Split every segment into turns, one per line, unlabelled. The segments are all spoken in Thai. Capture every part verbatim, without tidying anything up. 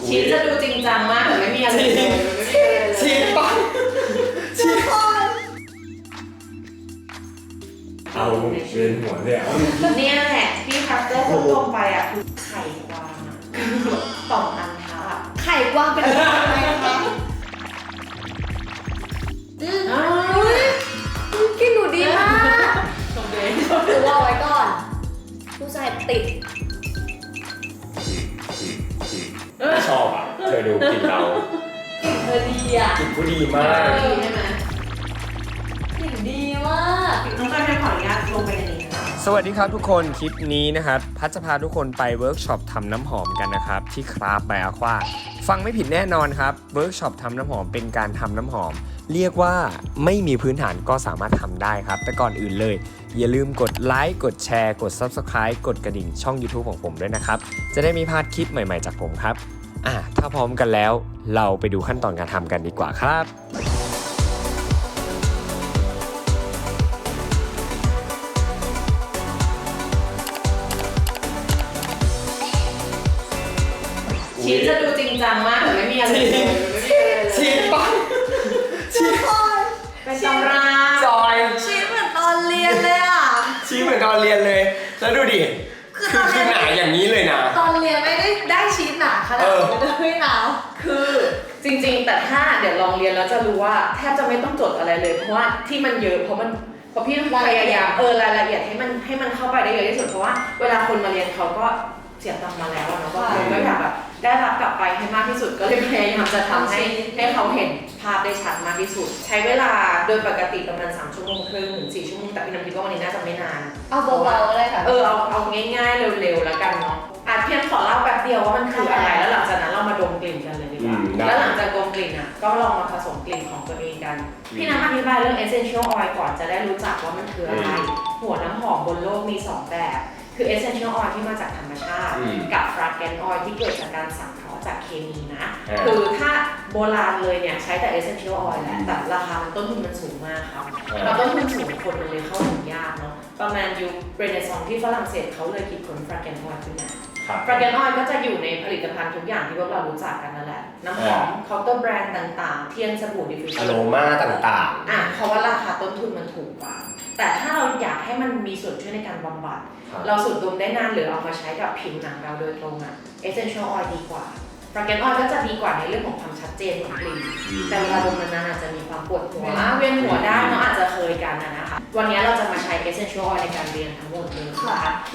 ชีสจะดูจริงจังมากแต่ไม่มีอะไรเลย
ชีสปังชีสเอาเวียนหัวเลยอ่ะ
เนี่ยแหละที่พัสเตอร์พูดตรงไปอ่ะคือไข่กวางอ่ะต่อมอันทะ
ไข่กวางเป็นอะไรคะอืมอุ้ยกินหนูดีมากถือว่าไว้ก่อนผู้ชายติด
ไม่ชอบอ่ะเธอดูกินเรา
กลิ่นเธอดีอ่ะ
กินผู้ดีมาก
ดีใช่ไหม
กลิ่นดีมาก
น้องจอยขออนุญาตลงไปในนี้นะ
สวัสดีครับทุกคนคลิปนี้นะครับพัชจะพาทุกคนไปเวิร์กช็อปทำน้ำหอมกันนะครับที่คราฟบายอาควาฟังไม่ผิดแน่นอนครับเวิร์กช็อปทำน้ำหอมเป็นการทำน้ำหอมเรียกว่าไม่มีพื้นฐานก็สามารถทำได้ครับแต่ก่อนอื่นเลยอย่าลืมกดไลค์กดแชร์กด ซับสไครบ์ กดกระดิ่งช่อง ยูทูบ ของผมด้วยนะครับจะได้ไม่พลาดคลิปใหม่ๆจากผมครับอ่ะถ้าพร้อมกันแล้วเราไปดูขั้นตอนการทำกันดีกว่าครับ
ชีสจะดูจริงจังมากแต่ไม่มีอะไรเลย
ชีสปังชีส
เป็นตำรา
จอย
ชีสเหมือนตอนเรียนเลยอ่ะ
ชีสเหมือนตอนเรียนเลยแล้วดูดิคือคือหนาอย่างนี้เลยนะ
ตอนเรียนไม่ได้ได้ชีสหนาขนาดนี้เลยนะ
คือจริงๆแต่ถ้าเดี๋ยวลองเรียนแล้วจะรู้ว่าแทบจะไม่ต้องจดอะไรเลยเพราะว่าที่มันเยอะเพราะมันเพราะพี่พยายามเออรายละเอียดให้มันให้มันเข้าไปได้เยอะที่สุดเพราะว่าเวลาคนมาเรียนเขาก็เสียตังค์มาแล้วเนาะก็คนก็อยากแบบได้รับกลับไปให้มากที่สุดก็เลยพยายามจะทำให้ให้เขาเห็นภาพได้ชัดมากที่สุดใช้เวลาโดยปกติประมาณสามชั่วโมงครึ่งถึงสี่ชั่วโมงแต่พี่น้ำคิดว่าวันนี้น่าจะไม่นาน
เอาเบาๆเลยค่ะ
เออเอาเอาง่ายๆเร็วๆแล้วกันเนาะอาจเพียงขอเล่าแป๊บเดียวว่ามันคืออะไรแล้วหลังจากนั้นเรามาดมกลิ่นกันเลยดีกว่าแล้วหลังจากดมกลิ่นอ่ะก็ลองมาผสมกลิ่นของตัวเองกันพี่น้ำอธิบายเรื่อง essential oil ก่อนจะได้รู้จักว่ามันคืออะไรหัวน้ำหอมบนโลกมีสองแบบคือ essential oil ที่มาจากธรรมชาติกับ fragrant oil ที่เกิดจากการสังเคราะห์จากเคมีนะคือถ้าโบราณเลยเนี่ยใช้แต่ essential oil แหละแต่ราคาต้นทุนมันสูงมากครับแล้วต้นทุนสูงคนมันเลยเข้าถึงยากเนาะประมาณยุคเรเนซองส์ที่ฝรั่งเศสเขาเลยคิดค้น fragrant oil ขึ้นมา fragrant oil ก็จะอยู่ในผลิตภัณฑ์ทุกอย่างที่พวกเรารู้จักกันนั่นแหละน้ำหอมเคาน์เตอร์แบรนด์ต่างๆเทียนสบู่ดิฟฟิวเซอร์
อโรมาต่าง
ๆอ่ะเพราะว่าราคาต้นทุนมันถูกกว่าแต่ถ้าเราอยากให้มันมีส่วนช่วยในการบำบัดเราสูดดมได้นานหรือเอามาใช้กับผิวหนังเราโดยตรงอ่ะ essential oil ดีกว่า fragrant oil ก็จะดีกว่าในเรื่องของความชัดเจนของกลิ่นแต่เวลาดมนานๆอาจจะมีความปวดหัวเวียนหัวได้เนาะอาจจะเคยกันนะคะวันนี้เราจะมาใช้ essential oil ในการเรียนทั้งหมดเลยค่ะ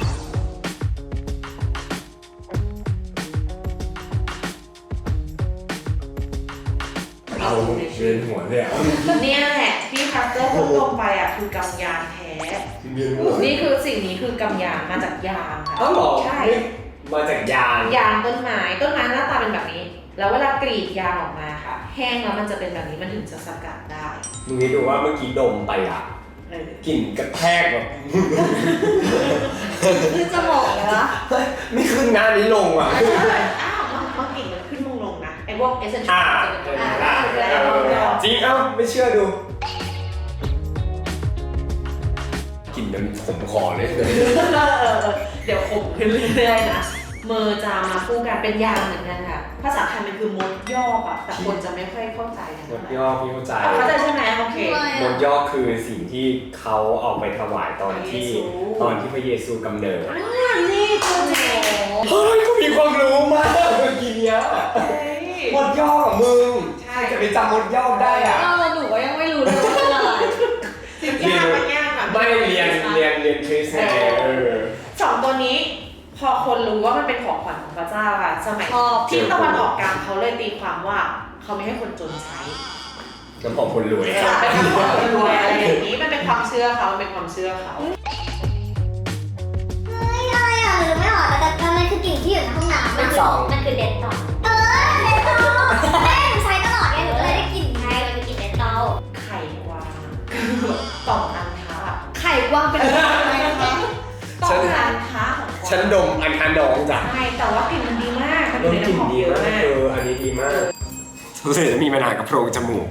เอาเวียนหัวเลยอ่ะ
เนี่ยแหละที่พัสเตอร์พูดตรงไปอ่ะคือกำยานแท้นี่คือสิ่งนี้คือกำยานมาจากยางค่ะใช่
มาจากยาง
ยางต้นไม้ต้นไม้หน้าตาเป็นแบบนี้แล้วเวลากรีดยางออกมาค่ะแห้งแล้วมันจะเป็นแบบนี้มันถึงจะสกัดได้
มึงคิดดูว่าเมื่อกี้ดมไปอ่ะกลิ่นกระแทกแบบ
คือจะบอกเลยว่า
ไม่ขึ้นงานนี้ลงอ่ะ
อ้าวมันกลิ่นมันขึ้นลงลงนะไอ้พวกเอเซนเชียล
จริงเอ้าไม่เชื่อดูกลิ่นมันขมคอเลย
เดี๋ยวขมขึ้นเรื่อยๆนะเมอร์จะมาคู่กันเป็นยางเหมือนกันค่ะภาษาไทยมันคือมดยอกอ่ะแต่คนจะไม่ค่อยเข้าใจกัน
มดยอกพี่เข้าใจ
เข้าใจใช่ไหมโอเค
มดยอกคือสิ่งที่เขาเอาไปถวายตอนที่ตอนที่พระเยซูกำเนิด
นี่ตัวเจ๋ง
เฮ้ยกูมีความรู้มากเมื่อกี้เนี้ยมดยอกกับมึงใช่จะไปจำมดยอกได้อ่ะ
หนูก็ยังไม่รู้เลยว่าเป็นอะไร
ยากมันยากอ่ะ
ไม่เรียนเรียนเรียนคริสต์เออ
สองตัวนี้พอคนรู้ว่ามันเป็นของขวัญของพระเจ้าค่ะสมัยที่ตะวันออกกลางเขาเลยตีความว่าเขาไม่ให้คนจนใช้
น้ำหอมคนรวย
เป็นน้ำหอมคนรวยอะไรอย่างนี้มันเป็นความเชื่อเขาเป็นความเชื่อเขา
เฮ้ยอะไรอ่ะหรือไม่ออกแต่แต่มันคือกลิ่นที่อยู่ในห้องน้ำมันคือมันคือเดนตอลเออเดนตอลแม่หนูใช้ตลอดไงหนูเลยได้กลิ่นไงมันคือกลิ่นเดนตอล
ไข่กวางต่อมอันทะ
ไข่กวางเป็นอะไรคะ
ต่อมอันทะ
ฉันดมอันทันดองจ้ะ
ใช่แต่ว่ากลิ่นมันดีมาก
ดมกลิ่นดีมากเอออันนี้ดีมากรู้สึกจะมีปัญหากับโพรงจมูก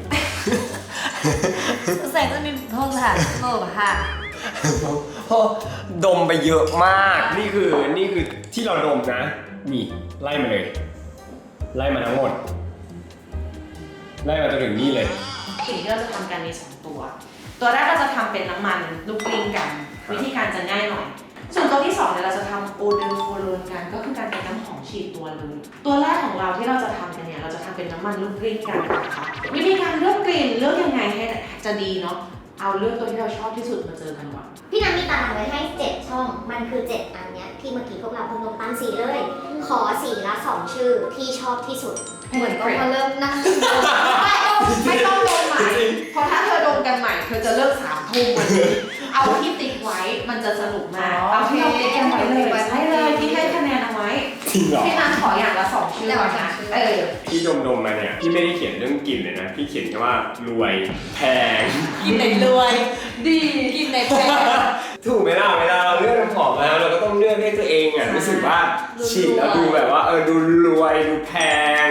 รู้สึกจะมีโพรงค่ะโลกค่ะ
พอดมไปเยอะมากนี่คือนี่คือที่เราดมนะนี่ไล่มาเลยไล่มาทั้งหมดไล่มาจนถึงนี่เลย
สิ่งที่เราจะทำกันมีสองตัว ตัวแรกเราจะทำเป็นน้ำมันลูกกลิ้งกัน วิธีการจะง่ายหน่อย ส่วนตัวที่สองเนี่ยเราจะทำโอเดอร์โฟโลนกันก็คือการเป็นน้ำหอมฉีดตัวเลยตัวแรกของเราที่เราจะทำกันเนี่ยเราจะทำเป็นน้ำมันลูกกลิ้งกันนะคะวิธีการเลือกกลิ่นเลือกยังไงให้จะดีเนาะเอาเลือกตัวที่เราชอบที่สุดมาเจอกันก่อน
พี่นัทมีตารางไว้ให้เจ็ดช่อง มันคือเจ็ดอันเนี้ยที่เมื่อกี้พวกเราเพิ่งลงตั้งสีเลย ขอสีละสองชื่อที่ชอบที่สุด
เหมือนต้องมาเริ่มนั่ง
ไม่ต้องลงใหม่เพราะถ้าเธอดมกันใหม่เธอจะเลิกสามทุ่มวันนี้เอาที่ติ๊กไว้มันจะสนุกมากเอาที่เราติ๊กกันไว้เลยใช่เลยที่ให้คะแนนเอาไว้
จริงเหรอ
พี่นันขออย่างละสองชื่อก่อนนะเออ
พี่ดมดมมาเนี่ยพี่ไม่ได้เขียนเรื่องกลิ่นเลยนะพี่เขียนแค่ว่ารวยแพง
กินไหนรวย ดีกินไหนแพง
ถูกไหมล่ะเวลาเราเลือกน้ำหอมแล้วเราก็ต้องเลือกให้ตัวเองอ่ะรู้สึกว่าฉีดแล้วดูแบบว่าเออดูรวยดูแพง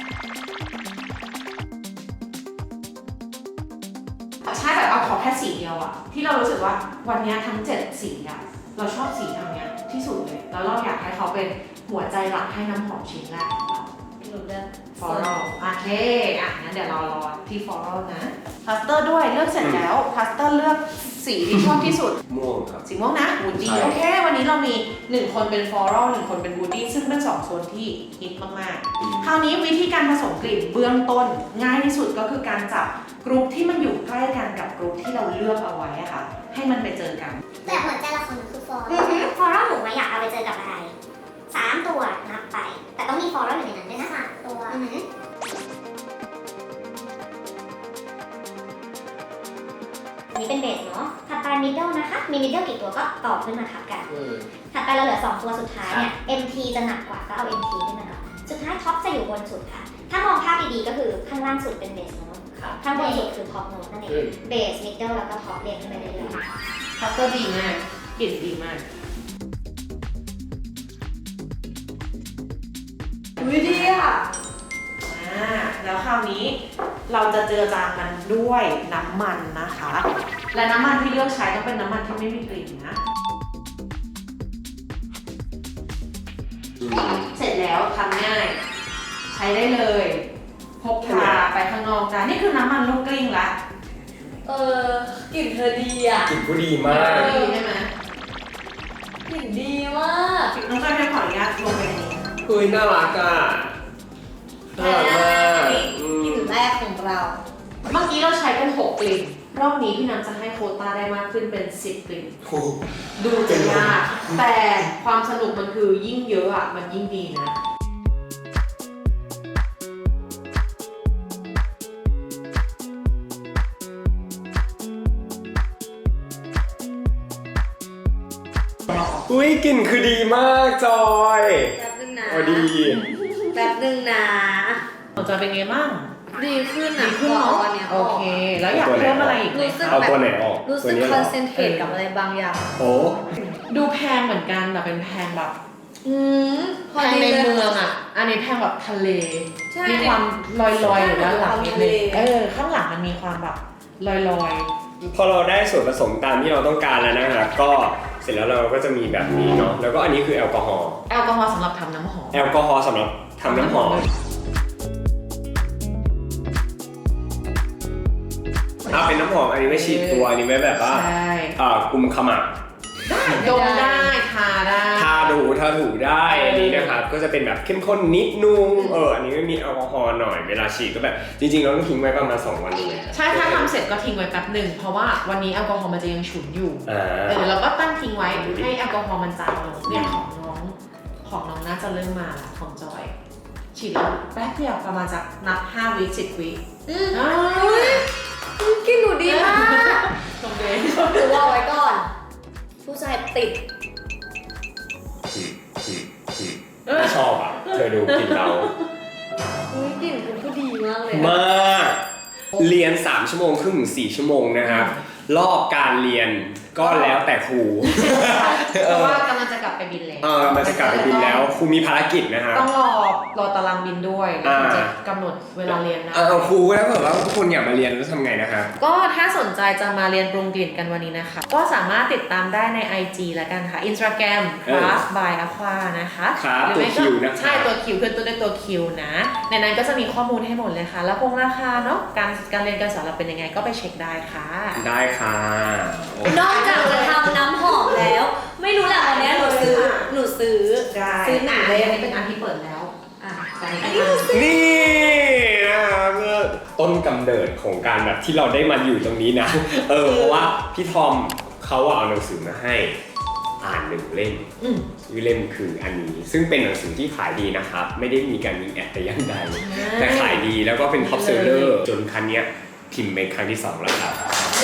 ใช่แบบเอาขอแค่สีเดียวอะที่เรารู้สึกว่าวันนี้ทั้งเจ็ดสีอะเราชอบสีทางเนี้ยที่สุดเลยแล้วเราอยากให้เขาเป็นหัวใจหลักให้น้ำหอมชิ้นแรกของเรา
หนูเลือก
ฟอรัลโอเคอ่ะงั้นเดี๋ยวเรารอที่ฟอรัลนะพลาสเตอร์ด้วยเลือกเสร็จแล้วพลาสเตอร์เลือกสีที่ชอบที่สุด
ม่วงครับ
สีม่วงนะวูดดี้
ใช่
โอเควันนี้เรามีหนึ่งคนเป็นฟลอรัลหนึ่งคนเป็นวูดดี้ซึ่งเป็นสองโซนที่ฮิตมากๆคราวนี้วิธีการผสมกลิ่นเบื้องต้นง่ายที่สุดก็คือการจับกรุ๊ปที่มันอยู่ใกล้กันกับกรุ๊ปที่เราเลือกเอาไว้อะค่ะให้มันไปเจอกัน
แต่หัวใจละคนคือฟอร์ฟอร์หนูมาอยากเอาไปเจอกับอะไรสามตัวนับไป แต่ต้องมีฟอร์อยู่ในนั้นด้วยนะสามตัวอันนี้เป็นเบสเนาะถัดไปมิดเดิลนะคะ มีมิดเดิลกี่ตัวก็ต่อขึ้นมาทับกัน ถัดไปเราเหลือสองตัวสุดท้ายเนี่ย เอ็ม ที จะหนักกว่าก็เอา เอ็ม ที ขึ้นมาเนาะสุดท้ายท็อปจะอยู่บนสุดค่ะ ถ้ามองภาพดีๆก็คือข้างล่างสุดเป็นเบสโน้ตข้างบนสุดคือท็อปโน้ตนั่นเองเบสมิดเดิลแล้วก็ท็อปเรียงขึ้นไปเรื่อยๆ
พลาสเตอร์ดีมากกลิ่นดีมาก
อุ้ยดีอ่ะ
อ่าแล้วคราวนี้เราจะเจอจางมันด้วยน้ำมันนะคะ และน้ำมันที่เลือกใช้ต้องเป็นน้ำมันที่ไม่มีกลิ่นนะ เสร็จแล้วทำง่าย ใช้ได้เลยพกพาไปข้างนอกได้นี่คือน้ำมันลูกกลิ้งละ
เออกลิ่นเธอดีอ่ะ
กลิ่นผู้ดีมาก
ดีใช่ไหม
กลิ่นดีมาก
น้องจอยให้ขออนุญาตลงไปในนี้
เฮ้ยน่ารักอ่ะน่ารักมากอื
กลิ่น
ม
แรกของเรา
เมื่อกี้เราใช้กันหกกลิ่นรอบนี้พี่น้ำจะให้โควต้าได้มากขึ้นเป็นสิบกลิ่น
โอ้
ดูจะยากแต่ความสนุกมันคือยิ่งเยอะอ่ะมันยิ่งดีนะ
อุ้ยกลิ่นคือดีมากจอย
แป๊บนึงนะ
โอ้ดี
แป๊บนึงนะ
ของจอยเป็นไงบ้าง
ดีขึ้น
ดี
นะ
ขึ้น
พอ
เนาะ
วันเนี้ย
โอเค แล้วอยากเพิ่มอะไรอีกไหม
รู้สึก
คะ
เอาตัวไหนออก
รู้
ตัว
สึก
นี้
ค
เหร
อน
อ
เซนเทรตกับอะไรบางอย่าง
โอ้
ดูแพงเหมือนกันแต่เป็นแพงแบบ
อืมพ
แพ
อง ดี
ใน
เลย
เมืองอ่ะ อันนี้แพงแบบทะเล
ใช่
มีความลอยๆอยู่ด้านหลังนิดนึง
ใช่
เออข้างหลังมันมีความแบบลอยๆ
พอเราได้ส่วนผสมตามที่เราต้องการแล้วนะครับก็เสร็จแล้วเราก็จะมีแบบนี้เนาะแล้วก็อันนี้คือแอลกอฮอล์
แอลกอฮอล์สำหรับทำน้ำหอม
แอลกอฮอล์สำหรับทำน้ำหอมถ้าเป็นน้ำหอมอันนี้ไม่ฉีดตัวอันนี้ไม่แบบว่า
ใช่
อ่ากุมขมับ
ดมได้ทาได้
ทาดูทาถูได้อันนี้นะครับก็จะเป็นแบบเข้มข้นนิดนึงเอออันนี้ไม่มีแอลกอฮอล์หน่อยเวลาฉีดก็แบบจริงๆเราต้องทิ้งไว้ประมาณสองวันเลย
ใช่ถ้าทำเสร็จก็ทิ้งไว้แป๊บหนึ่งเพราะว่าวันนี้แอลกอฮอล์มันจะยังฉุนอยู่
อ่า
เออเราก็ตั้งทิ้งไว้ให้แอลกอฮอล์มันจางลงเนี่ยของน้องของน้องน่าจะเริ่มมาแล้วของจอยฉีดแล้วแป๊บเดียวประมาณจากนับห้าวิสิบวิ
อืม
อ้า
อุ้ยกลิ่นหนูดีมาก
ชมเลย
หนูเอาไว้ก่อน ผู้ชายติด
อืมอืมอืมไม่ชอบอ่ะเธอดูกินเรา
อุ้ยกลิ่นคุณก็ดีมากเลยอะ
มากเรียนสามชั่วโมงครึ่งถึงสี่ชั่วโมงนะครับรอบการเรียนก็แล้วแต่ครู
เพราะว่ากำลังจะกลับไปบินแล้ว
เออมันจะกลับไปบินแล้วครูมีภารกิจนะครับ
ต้องรอรอตารางบินด้วยแล้วถึงจะกำหนดเวลาเรียนนะ
เออครูแล้วเผื่อว่าทุกคนอยากมาเรียนแล้วทำไงนะครับ
ก็ถ้าสนใจจะมาเรียนปรุงกลิ่นกันวันนี้นะคะ ก็สามารถติดตามได้ใน ไอ จี แล้วกันค่ะ Instagram Craft by Aqua นะคะ
ครับ
หรือไม่
ตัว
ก็
Q นะคะ
ใช่ตัวคิวคือตัวด้วยตัวคิวนะ ในนั้นก็จะมีข้อมูลให้หมดเลยค่ะ แล้วพงราคาเนาะการการเรียนการสอนเราเป็นยังไงก็ไปเช็คได้ค่ะ
ได้ค่ะ
นอกจากจะทำน้ำหอมแล้ว ไม่รู้แหละวันนี้หนูซื้อหนูซื้อ ซื้อหนัง
เล
เลย ย
อันนี้เป็นอันที่เปิดแล้ว
อ่ะ
อันนี้
นี่นะครับต้นกำเนิดของการแบบที่เราได้มาอยู่ตรงนี้นะ เออเพราะว่าพี่ทอมเขาเอาหนังสือมาให้อ่านหนึ่งเล่ม
อืม
ชื่อเล่มคืออันนี้ ซึ่งเป็นหนังสือที่ขายดีนะครับ ไม่ได้มีการยิงแอดแต่อยังใดแต่ขายดีแล้วก็เป็นท็อปเซลเลอร์จนครั้งเนี้ยพิมพ์เป็นครั้งที่สองแล้วครับ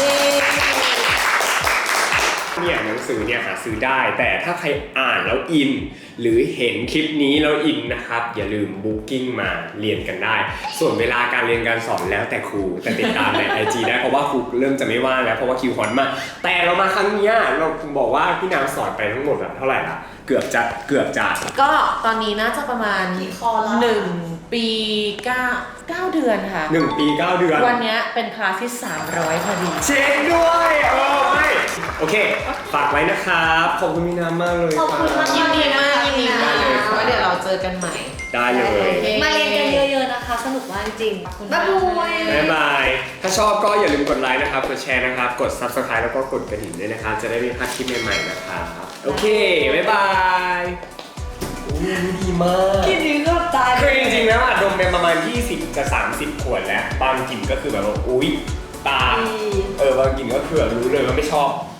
เนี่ยหนังสือเนี่ยหาซื้อได้แต่ถ้าใครอ่านแล้วอิน หรือเห็นคลิปนี้แล้วอินนะครับ อย่าลืมบุ๊กิ้งมาเรียนกันได้ ส่วนเวลาการเรียนการสอนแล้วแต่ครูแต่ติดตามใน ไอ จี ได้เพราะว่าครูเริ่มจะไม่ว่างแล้วเพราะว่าคิวฮอตมากแต่เรามาครั้งเนี้ยเราบอกว่าพี่น้ำสอนไปทั้งหมดแบบเท่าไหร่ละเกือบจะเกือบจะ
ก็ตอนนี้น่าจะประมาณ
กี่คอร์สละ
หนึ่งปีเก้าเก้าเดือนค่ะ
หนึ่งปีเก้าเดือน
วันเนี้ยเป็นคลาสที่สามร้อยพอดี
เช็คด้วยเออไม่โอเคฝากไว้นะครับขอบคุณพี่น้ำมากเลย
ขอบคุณมาก
ยินดีมากยินดีมาก
ได้เลยครับ
ไว้เดี๋ยวเราเจอกันใหม่
ได้เลย
มาเรียนกันเยอะๆนะคะ สนุกมากจริง
ขอบคุณ
บ๊ายบาย
บ๊ายบาย ถ้าชอบก็อย่าลืมกดไลค์นะครับ กดแชร์นะครับ กด Subscribe แล้วก็กดกระดิ่งด้วยนะครับ จะได้ไม่พลาดคลิปใหม่ๆนะครับ โอเค บ๊ายบายโอ้ยดีมาก
กินนี้ก็ตาย
คือจริงๆแล้วอะดมเป็นประมาณ ยี่สิบกับสามสิบ ขวดแล้ว บางกลิ่นก็คือแบบว่า อุ๊ย ตา เออบางกลิ่นก็คือแบบรู้เลยว่าไม่ชอบ